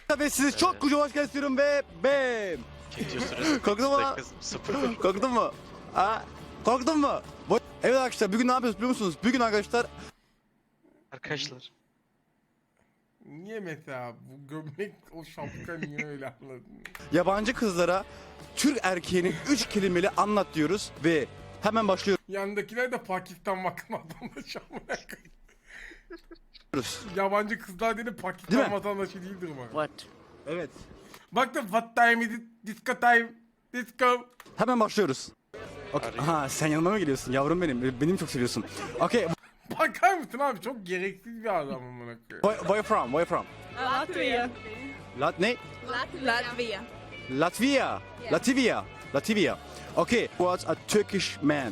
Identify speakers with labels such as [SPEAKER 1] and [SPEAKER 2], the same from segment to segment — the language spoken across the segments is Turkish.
[SPEAKER 1] Ve sizi çok kocaman hoş geldin istiyorum ve bam.
[SPEAKER 2] Video süresi
[SPEAKER 1] Korktun mu?
[SPEAKER 2] 0.
[SPEAKER 1] Korktun mu? Ha? Korktun mu? Evet arkadaşlar bugün ne yapıyoruz biliyor musunuz? Bugün arkadaşlar
[SPEAKER 2] Arkadaşlar.
[SPEAKER 3] Niye mesela bu gömlek o şapka niye öyle anladın?
[SPEAKER 1] yabancı kızlara Türk erkeğini 3 kelimeli anlat diyoruz ve hemen başlıyoruz.
[SPEAKER 3] Yandakiler de Pakistan vatandaşı amına koyayım. Yabancı kızlar dedi
[SPEAKER 1] Değil
[SPEAKER 3] Pakistan
[SPEAKER 1] mi?
[SPEAKER 3] vatandaşı değildir bak.
[SPEAKER 4] What?
[SPEAKER 1] Evet.
[SPEAKER 3] Bak da what time is it? Disco time. Disco.
[SPEAKER 1] Hemen başlıyoruz. Okay. Aha sen yanıma mı geliyorsun yavrum benim? Beni mi çok seviyorsun? Okay.
[SPEAKER 3] Bakar mısın abi çok gereksiz bir adam amına koyayım.
[SPEAKER 1] Where from? Where from?
[SPEAKER 4] Latvia.
[SPEAKER 1] Ne?
[SPEAKER 4] Latvia.
[SPEAKER 1] Latvia. Latvia. Latvia. Okay. Was a Turkish man.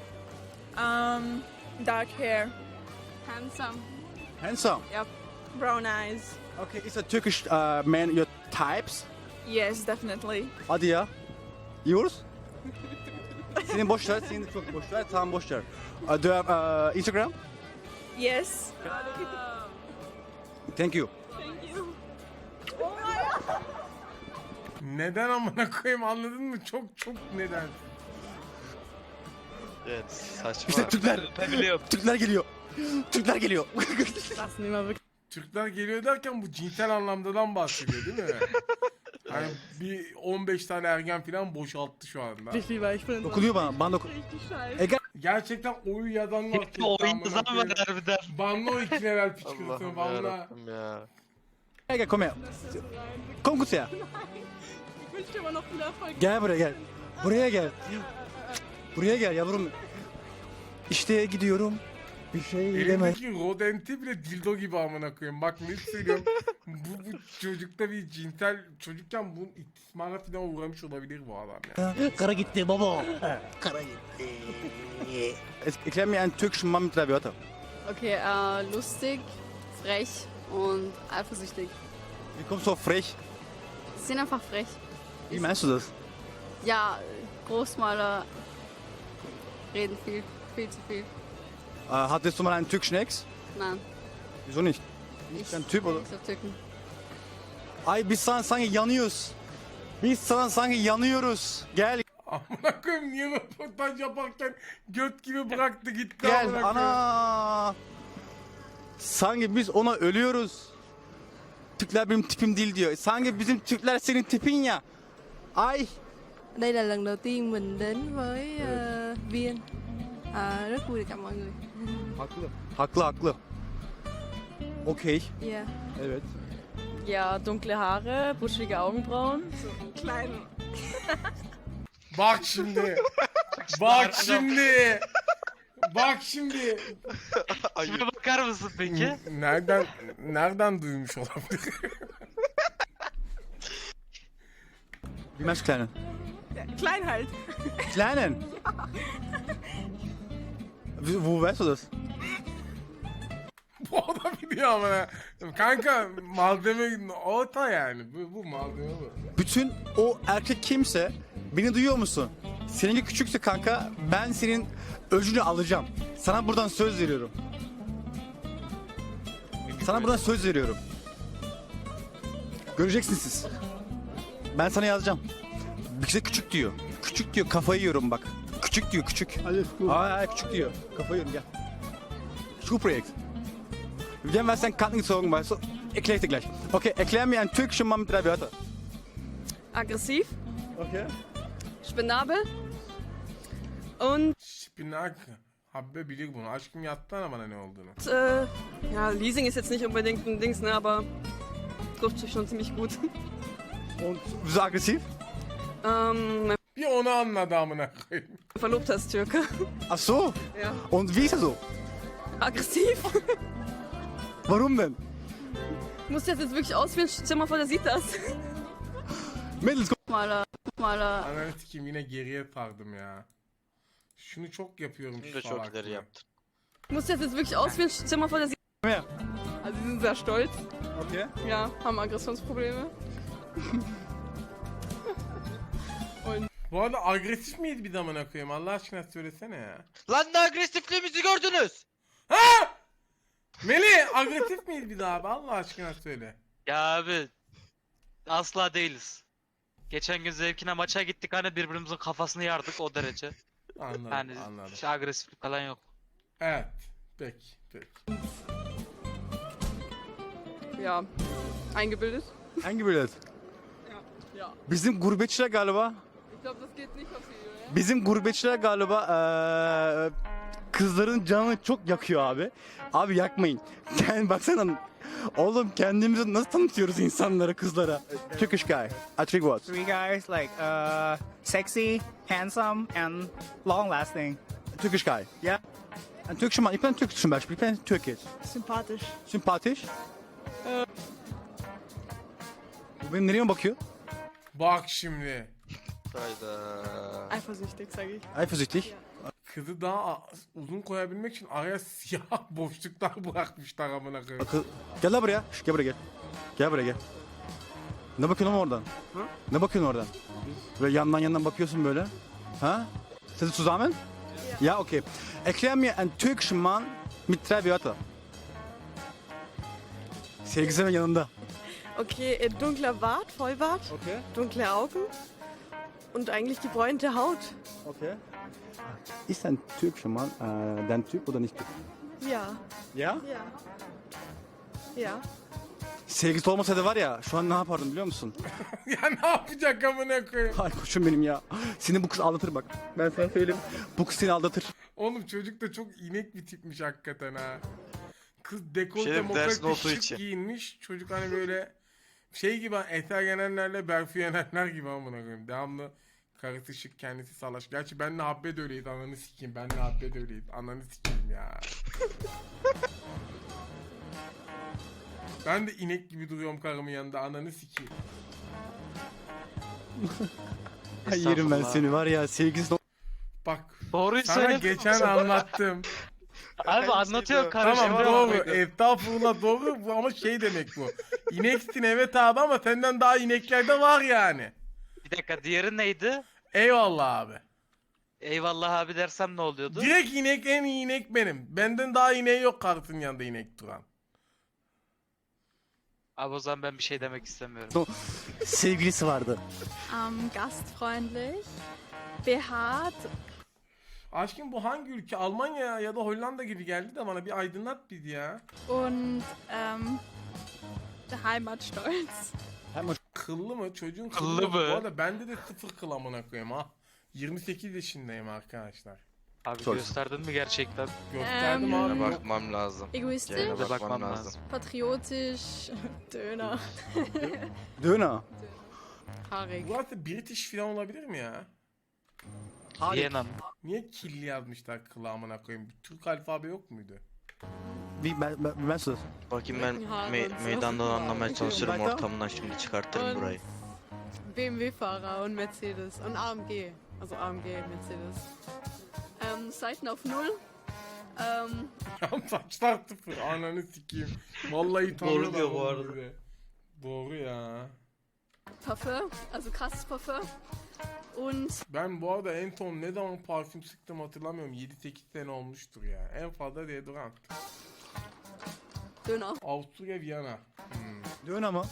[SPEAKER 4] Dark hair.
[SPEAKER 5] Handsome.
[SPEAKER 1] Handsome.
[SPEAKER 4] Brown eyes.
[SPEAKER 1] Okay. Is a Turkish man your types?
[SPEAKER 4] Yes, definitely.
[SPEAKER 1] Hadi ya. Yours? Senin boş ver, senin de çok boş ver. Tamam boş ver. Do you have Instagram?
[SPEAKER 4] Yes.
[SPEAKER 1] Thank you.
[SPEAKER 3] Neden amına koyayım anladın mı? Çok neden?
[SPEAKER 2] Evet saçma.
[SPEAKER 1] İşte Türkler.
[SPEAKER 2] Ben biliyorum.
[SPEAKER 1] Türkler geliyor. Türkler geliyor.
[SPEAKER 4] Das nicht mehr wirklich.
[SPEAKER 3] Türkler geliyor derken bu cinsel anlamdadan bahsediyor değil mi? Hani bir 15 tane ergen falan boşalttı şu anda.
[SPEAKER 4] Lieber, ich bin
[SPEAKER 1] Dokunuyor bana. Bana
[SPEAKER 4] richtig scheiße.
[SPEAKER 3] Gerçekten oyu yadan var.
[SPEAKER 2] Hepsi oyun yazan var harbiden.
[SPEAKER 3] Banla o iki level püskürtün
[SPEAKER 2] Allah'ım
[SPEAKER 3] banla.
[SPEAKER 2] yarabbim ya.
[SPEAKER 1] Gel kom her. Kom kutuya.
[SPEAKER 4] Ich wünsche dir aber noch viel Erfolg.
[SPEAKER 1] Gel buraya gel. Buraya gel. Buraya gel yavrum. İşte gidiyorum. Bir şey deme.
[SPEAKER 3] Elimdeki rodenti bile dildo gibi amına koyayım. Bak ne söylüyorum. bu çocukta bir cinsel çocukken bunun istismara falan uğramış olabilir bu adam ya.
[SPEAKER 1] Kara gitti baba. Kara gitti. Erklär mir einen türkischen Mann mit 3 Wörter.
[SPEAKER 5] Okay, lustig, frech und eifersüchtig.
[SPEAKER 1] Wie kommst du auf frech?
[SPEAKER 5] Sie sind einfach frech.
[SPEAKER 1] Wie meinst du das?
[SPEAKER 5] Ja, Großmaler reden viel zu viel.
[SPEAKER 1] Hattest du mal einen türkischen Ex?
[SPEAKER 5] Nein,
[SPEAKER 1] Wieso nicht?
[SPEAKER 5] ich
[SPEAKER 1] Ein Typ oder?
[SPEAKER 5] nichts auf Türken.
[SPEAKER 1] Ay biz sana sanki yanıyoruz. Biz sana sanki yanıyoruz. Gel
[SPEAKER 3] Amına koyayım niye röportaj yaparken göt gibi bıraktı gitti
[SPEAKER 1] gel
[SPEAKER 3] amına koyayım.
[SPEAKER 1] ana. Sanki biz ona ölüyoruz. Türkler benim tipim değil diyor. Sanki bizim Türkler senin tipin ya. Ay.
[SPEAKER 6] Đây là lần đầu tiên mình đến với Viên. Rất vui được gặp mọi người.
[SPEAKER 1] Haklı. Haklı haklı. Okey.
[SPEAKER 6] Yeah.
[SPEAKER 1] Evet.
[SPEAKER 4] Ja, dunkle Haare, buschige Augenbrauen. Klein.
[SPEAKER 3] Bak şimdi. Bak şimdi. Bak şimdi.
[SPEAKER 2] Şimdi bakar mısın peki?
[SPEAKER 3] Nereden duymuş olabilir?
[SPEAKER 1] Wie meinst du kleinen?
[SPEAKER 4] Klein halt.
[SPEAKER 1] Kleinen? Wo weißt du das?
[SPEAKER 3] Bu adam biliyor ama ya. Kanka malzeme orta yani. Bu malzeme bu.
[SPEAKER 1] Bütün o erkek kimse beni duyuyor musun? Seninki küçükse kanka ben senin öcünü alacağım. Sana buradan söz veriyorum. Sana buradan söz veriyorum. Göreceksiniz siz. Ben sana yazacağım. Bize küçük diyor. Küçük diyor kafayı yiyorum bak. Küçük diyor küçük. Hayır küçük diyor. Kafayı yiyorum gel. Schulprojekt. Wir haben was dein Karten gezogen, weißt du? Erklär ich dir gleich. Okay, erklär mir einen türkischen Mann mit 3 Wörtern.
[SPEAKER 4] Aggressiv,
[SPEAKER 1] Okay.
[SPEAKER 4] spendabel und
[SPEAKER 3] Şipinak. Habbe bilir bunu. Aşkım yattı bana ne olduğunu.
[SPEAKER 4] ja, Leasing ist jetzt nicht unbedingt ein Dings, ne, aber trifft sich schon ziemlich gut.
[SPEAKER 1] Und wieso aggressiv?
[SPEAKER 4] Mein
[SPEAKER 3] Bir onu anladı amına koyayım.
[SPEAKER 4] Verlobter ist Türke.
[SPEAKER 1] Ach so.
[SPEAKER 4] Ja.
[SPEAKER 1] Und wie ist er so?
[SPEAKER 4] Aggressiv.
[SPEAKER 1] Warum denn?
[SPEAKER 4] Muss das jetzt wirklich auswählen? Stell dir mal vor, der sieht das.
[SPEAKER 1] Mädels,
[SPEAKER 5] Maler.
[SPEAKER 3] Ananı sikeyim yine geriye sardım ya. Şunu çok yapıyorum
[SPEAKER 2] Bunu
[SPEAKER 3] şu
[SPEAKER 2] da çok
[SPEAKER 3] salaklığı.
[SPEAKER 2] ileri yaptın.
[SPEAKER 4] Muss das jetzt wirklich auswählen? Stell dir mal vor, der sieht.
[SPEAKER 1] komm her.
[SPEAKER 4] Also sie sind sehr stolz.
[SPEAKER 1] Okay.
[SPEAKER 4] Ja, haben Aggressionsprobleme.
[SPEAKER 3] Bu arada agresif miydi bir de amına koyayım? Allah aşkına söylesene ya.
[SPEAKER 2] Lan ne agresifliğimizi gördünüz.
[SPEAKER 3] Melih agresif miydi bir daha abi? Allah aşkına söyle.
[SPEAKER 2] Ya abi asla değiliz. Geçen gün zevkine maça gittik hani birbirimizin kafasını yardık o derece.
[SPEAKER 3] Anladım,
[SPEAKER 2] Yani
[SPEAKER 3] anladım.
[SPEAKER 2] hiç agresiflik falan yok.
[SPEAKER 3] Evet. Peki, peki.
[SPEAKER 4] Ja, eingebildet.
[SPEAKER 1] Hangi bilet?
[SPEAKER 4] Ja.
[SPEAKER 1] Bizim gurbetçiler galiba.
[SPEAKER 4] Ich glaube, das geht nicht auf Video, ja?
[SPEAKER 1] Bizim gurbetçiler galiba kızların canını çok yakıyor abi. Abi yakmayın. Yani baksana oğlum kendimizi nasıl tanıtıyoruz insanlara, kızlara? Turkish guy. I think what?
[SPEAKER 7] Three guys like sexy, handsome, and long lasting.
[SPEAKER 1] Turkish guy.
[SPEAKER 7] Yeah.
[SPEAKER 1] En Turkish man. Ik ben Turkish zum Beispiel. Ik ben Türkisch.
[SPEAKER 7] Sympathisch.
[SPEAKER 1] Sympathisch. Bu benim nereye bakıyor?
[SPEAKER 3] Bak şimdi.
[SPEAKER 2] Hayda.
[SPEAKER 4] Eifersüchtig, sage ich.
[SPEAKER 1] Eifersüchtig.
[SPEAKER 3] Kızı daha uzun koyabilmek için araya siyah boşluklar bırakmışlar amına koyayım.
[SPEAKER 1] Akıl. Gel lan buraya. Şş, gel buraya gel. Gel buraya gel. Ne bakıyorsun oğlum oradan? Ne bakıyorsun oradan? Böyle yandan bakıyorsun böyle. Ha? Sind Sie zusammen? Ja, okay. Erklär mir einen türkischen Mann mit 3 Wörter. Sevgisi ve yanında.
[SPEAKER 8] Okay, dunkler Bart, Vollbart,
[SPEAKER 1] Okay.
[SPEAKER 8] dunkle Augen und eigentlich gebräunte Haut.
[SPEAKER 1] Okay. Ist ein türkischer Mann dein Typ oder nicht?
[SPEAKER 8] Ja,
[SPEAKER 1] Ja?
[SPEAKER 8] ja. Ja.
[SPEAKER 1] Sevgisi olmasaydı var ya şu an ne yapardım biliyor musun?
[SPEAKER 3] Ya ne yapacak amına koyayım?
[SPEAKER 1] Ay koçum benim ya. Seni bu kız aldatır bak. Ben sana söyleyeyim. Bu kız seni aldatır.
[SPEAKER 3] Oğlum çocuk da çok inek bir tipmiş hakikaten ha. Kız
[SPEAKER 2] Şey
[SPEAKER 3] dekolte
[SPEAKER 2] diyeyim, dersin
[SPEAKER 3] mokolte
[SPEAKER 2] olduğu
[SPEAKER 3] şık
[SPEAKER 2] için.
[SPEAKER 3] giyinmiş. Çocuk hani böyle şey gibi Eser Yenenler'le Berfu Yenenler gibi amına koyayım. Devamlı karısı şık kendisi salaş. Gerçi benle Habbe de öyleyiz ananı sikeyim. Benle Habbe de öyleyiz. Ananı sikeyim ya. Ben de inek gibi duruyorum karımın yanında ananı sikeyim.
[SPEAKER 1] Ay yerim ben
[SPEAKER 2] Estağfurullah.
[SPEAKER 1] seni var ya sevgisi.
[SPEAKER 3] Bak
[SPEAKER 2] Doğruyu
[SPEAKER 3] sana
[SPEAKER 2] söyledin.
[SPEAKER 3] geçen anlattım.
[SPEAKER 2] Abi anlatıyor kardeşim.
[SPEAKER 3] Tamam doğru. Estağfurullah doğru bu ama şey demek bu. İneksin evet abi ama senden daha inekler de var yani.
[SPEAKER 2] Bir dakika diğeri neydi?
[SPEAKER 3] Eyvallah abi.
[SPEAKER 2] Eyvallah abi dersem ne oluyordu?
[SPEAKER 3] Direkt inek en iyi inek benim. Benden daha ineği yok kartın yanında inek duran.
[SPEAKER 2] Abi o zaman ben bir şey demek istemiyorum.
[SPEAKER 1] Sevgilisi vardı.
[SPEAKER 5] Gastfreundlich, behaart,
[SPEAKER 3] Aşkım bu hangi ülke? Almanya ya da Hollanda gibi geldi de bana bir aydınlat bizi ya.
[SPEAKER 5] und heimatstolz.
[SPEAKER 3] Kıllı mı? Çocuğun
[SPEAKER 2] Kıllı
[SPEAKER 3] kıllı mı?
[SPEAKER 2] mı?
[SPEAKER 3] Bu arada bende de 0 kıl amına koyayım ha. 28 yaşındayım arkadaşlar.
[SPEAKER 2] Abi
[SPEAKER 1] Çok-
[SPEAKER 2] gösterdin mi gerçekten?
[SPEAKER 3] Gösterdim abi.
[SPEAKER 9] Yine
[SPEAKER 3] Yok.
[SPEAKER 9] bakmam lazım.
[SPEAKER 5] Egoistisch,
[SPEAKER 9] Yine
[SPEAKER 2] de
[SPEAKER 9] bakmam
[SPEAKER 2] bakmam
[SPEAKER 9] lazım.
[SPEAKER 2] lazım.
[SPEAKER 5] patriotisch, Döner,
[SPEAKER 1] Döner.
[SPEAKER 5] haarig.
[SPEAKER 3] Burası British falan olabilir mi ya?
[SPEAKER 2] Viyana mı?
[SPEAKER 3] Niye killi yazmışlar kılı amına koyayım? Bir Türk alfabe yok muydu?
[SPEAKER 1] Ben sus.
[SPEAKER 9] Bakayım ben
[SPEAKER 5] Ya, ben
[SPEAKER 9] meydandan
[SPEAKER 5] sana-
[SPEAKER 9] anlamaya çalışırım
[SPEAKER 1] Weiter?
[SPEAKER 9] ortamından şimdi çıkartırım
[SPEAKER 8] Und
[SPEAKER 9] burayı.
[SPEAKER 8] BMW-Fahrer und Mercedes und AMG. Also AMG, Mercedes.
[SPEAKER 5] Seiten auf Null.
[SPEAKER 3] Ya saçlar sıfır ananı sikeyim. Vallahi tanıyorlar
[SPEAKER 9] diyor bu
[SPEAKER 3] oğlum
[SPEAKER 9] arada.
[SPEAKER 3] bizi. Doğru ya.
[SPEAKER 5] Parfum, also krasses Parfum. Und
[SPEAKER 3] Ben bu arada en son ne zaman parfüm sıktım hatırlamıyorum. 7-8 sene olmuştur ya. En fazla deodorant.
[SPEAKER 5] Döner.
[SPEAKER 3] Avusturya, Viyana.
[SPEAKER 1] Döner mı?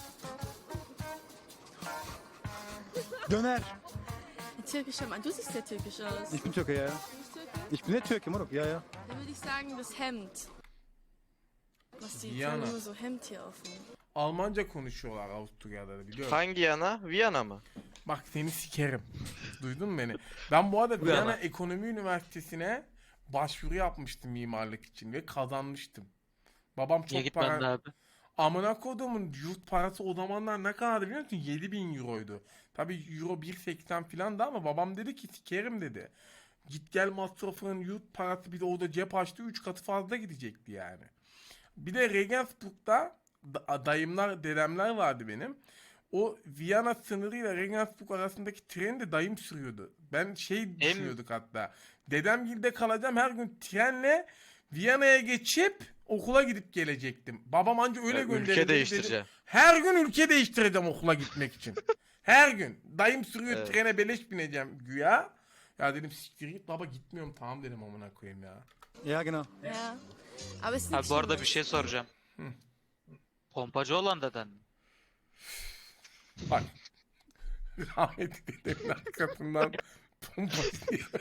[SPEAKER 1] Döner.
[SPEAKER 8] Ein türkischer Mann. Du siehst sehr türkisch aus.
[SPEAKER 1] Ich bin Türke ya. Ich bin nicht Türke Moruk ya ya.
[SPEAKER 8] Dann würde ich sagen, das Hemd. Was die
[SPEAKER 3] Diana.
[SPEAKER 8] tragen nur so Hemd hier offen.
[SPEAKER 3] Almanca konuşuyorlar Avusturya'da da biliyorum.
[SPEAKER 9] Hangi yana? Viyana mı?
[SPEAKER 3] Bak seni sikerim. Duydun mu beni? Ben bu arada
[SPEAKER 2] Viyana.
[SPEAKER 3] Viyana Ekonomi Üniversitesi'ne başvuru yapmıştım mimarlık için ve kazanmıştım. Babam
[SPEAKER 2] Niye
[SPEAKER 3] çok
[SPEAKER 2] gitmedin
[SPEAKER 3] para...
[SPEAKER 2] abi?
[SPEAKER 3] Amına kodumun yurt parası o zamanlar ne kadardı biliyor musun? 7.000 euroydu. Tabi euro 1.80 filandı ama babam dedi ki sikerim dedi. Git gel masrafının yurt parası bir de orada cep açtı 3 katı fazla gidecekti yani. Bir de Regensburg'da dayımlar, dedemler vardı benim. O Viyana sınırıyla Regensburg arasındaki treni de dayım sürüyordu. Ben düşünüyorduk hatta. Dedemgilde kalacağım her gün trenle Viyana'ya geçip okula gidip gelecektim. Babam anca öyle gönderdi.
[SPEAKER 9] Ülke değiştireceğim.
[SPEAKER 3] Her gün ülke değiştireceğim okula gitmek için. Her gün. Dayım sürüyor
[SPEAKER 9] Evet.
[SPEAKER 3] trene beleş bineceğim güya. Ya dedim siktir git baba gitmiyorum tamam dedim amına koyayım ya.
[SPEAKER 1] Ya genau.
[SPEAKER 8] Ja. Aber es ist
[SPEAKER 2] Abi
[SPEAKER 8] nicht
[SPEAKER 2] bu arada
[SPEAKER 8] schlimm.
[SPEAKER 2] bir şey soracağım. Pompacı olan deden mi?
[SPEAKER 3] Bak. Rahmetli dedemin arkasından pompası diye.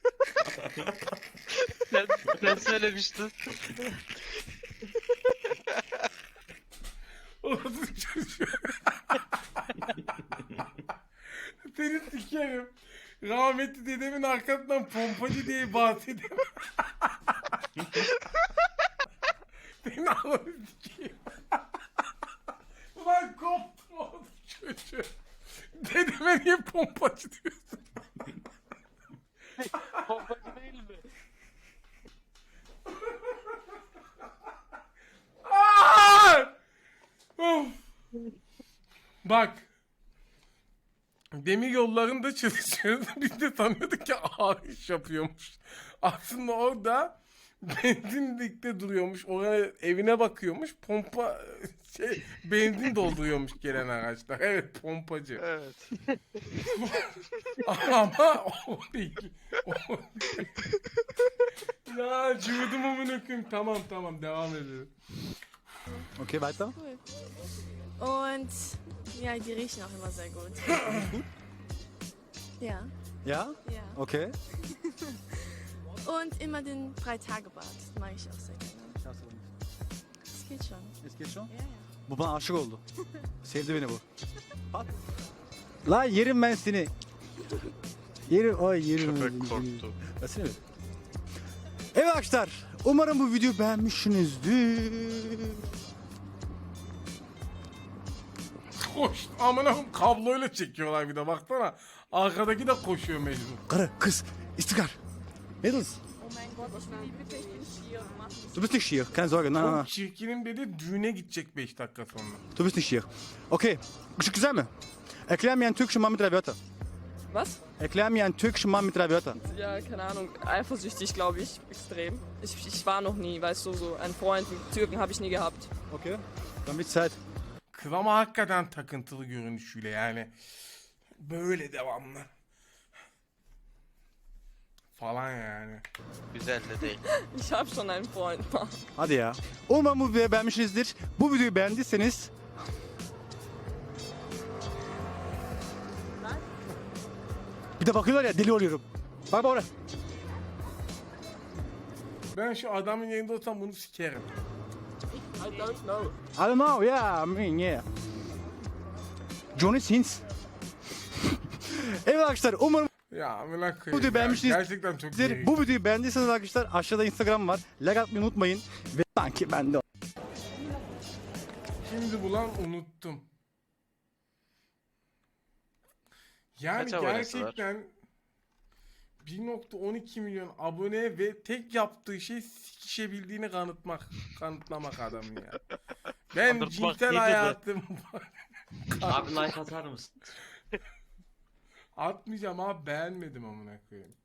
[SPEAKER 2] Sen söylemiştin.
[SPEAKER 3] Orası çocuğu. Seni sikerim. Rahmetli dedemin arkasından pompacı diye bahsedemem. Seni ağzını sikeyim. Ulan koptum oğlum çocuğu. Dedeme niye pompacı diyorsun?
[SPEAKER 2] Pompacı değil mi?
[SPEAKER 3] Aa! Of. Bak. Demir yollarında çalışıyoruz. Biz de sanıyorduk ki ağır iş yapıyormuş. Aslında orada benzinlikte duruyormuş. Oraya evine bakıyormuş. Pompa benzin dolduruyormuş gelen araçlar. Evet, pompacı.
[SPEAKER 9] Evet.
[SPEAKER 3] Ama o değil. O değil. Ya cıvıdım amına koyayım. Tamam devam edelim.
[SPEAKER 1] Okay, weiter.
[SPEAKER 6] Cool. Und ja, die riechen auch immer sehr gut. Ja,
[SPEAKER 1] Ja?
[SPEAKER 6] ja.
[SPEAKER 1] Okay.
[SPEAKER 6] Und immer den 3-Tage-Bad. Mag ich auch sehr gerne. Das geht schon.
[SPEAKER 1] Es geht schon.
[SPEAKER 6] Ja, ja.
[SPEAKER 1] Bu bana aşık oldu. Sevdi beni bu. Bak. La yerim ben seni. Yerim, ay yerim.
[SPEAKER 9] Köpek korktu.
[SPEAKER 1] Versene bir. Evet arkadaşlar. Umarım bu videoyu beğenmişsinizdir.
[SPEAKER 3] Koş. Amına koyayım, kabloyla çekiyorlar bir de baksana. Arkadaki de koşuyor mecbur.
[SPEAKER 1] Karı, kız, istikrar. Mädels. Du bist nicht schier, keine Sorge. Nein, nein, nein.
[SPEAKER 3] Çok çirkinim dedi, düğüne gidecek 5 dakika sonra.
[SPEAKER 1] Du bist nicht schier. Okay, Işık güzel mi? Erklär mir einen türkischen Mann mit 3 Wörtern.
[SPEAKER 4] Was?
[SPEAKER 1] Erklär mir einen türkischen Mann mit 3 Wörtern.
[SPEAKER 4] Ja, keine Ahnung. Eifersüchtig, glaube ich. Extrem. Ich war noch nie, weißt du, so einen Freund, einen Türken habe ich nie gehabt.
[SPEAKER 1] Okay, dann wird's Zeit.
[SPEAKER 3] Kız ama hakikaten takıntılı görünüşüyle yani. Böyle devamlı. Falan yani.
[SPEAKER 9] Güzel de değil.
[SPEAKER 4] Ich habe schon einen Freund.
[SPEAKER 1] Hadi ya. Umarım bu videoyu beğenmişsinizdir. Bu videoyu beğendiyseniz bir de bakıyorlar ya, deli oluyorum. Bak oraya.
[SPEAKER 3] Ben şu adamın yerinde olsam bunu sikerim.
[SPEAKER 1] I don't know, yeah, I mean, yeah. Johnny Sins. Evet arkadaşlar, umarım
[SPEAKER 3] Ya amına
[SPEAKER 1] Bu
[SPEAKER 3] koyayım
[SPEAKER 1] videoyu
[SPEAKER 3] ya.
[SPEAKER 1] beğenmişsiniz.
[SPEAKER 3] Gerçekten çok
[SPEAKER 1] sizler
[SPEAKER 3] iyi.
[SPEAKER 1] bu videoyu beğendiyseniz arkadaşlar aşağıda Instagram var. Like atmayı unutmayın. Ve sanki ben de
[SPEAKER 3] Şimdi bulan unuttum. Yani
[SPEAKER 9] Kaç abonesi var?
[SPEAKER 3] gerçekten 1.12 milyon abone ve tek yaptığı şey sikişebildiğini kanıtlamak adamın ya. Ben
[SPEAKER 2] Kanıtmak
[SPEAKER 3] cinsel
[SPEAKER 2] iyidir de.
[SPEAKER 3] hayatım
[SPEAKER 2] Abi like atar mısın?
[SPEAKER 3] atmayacağım abi, beğenmedim amına koyayım.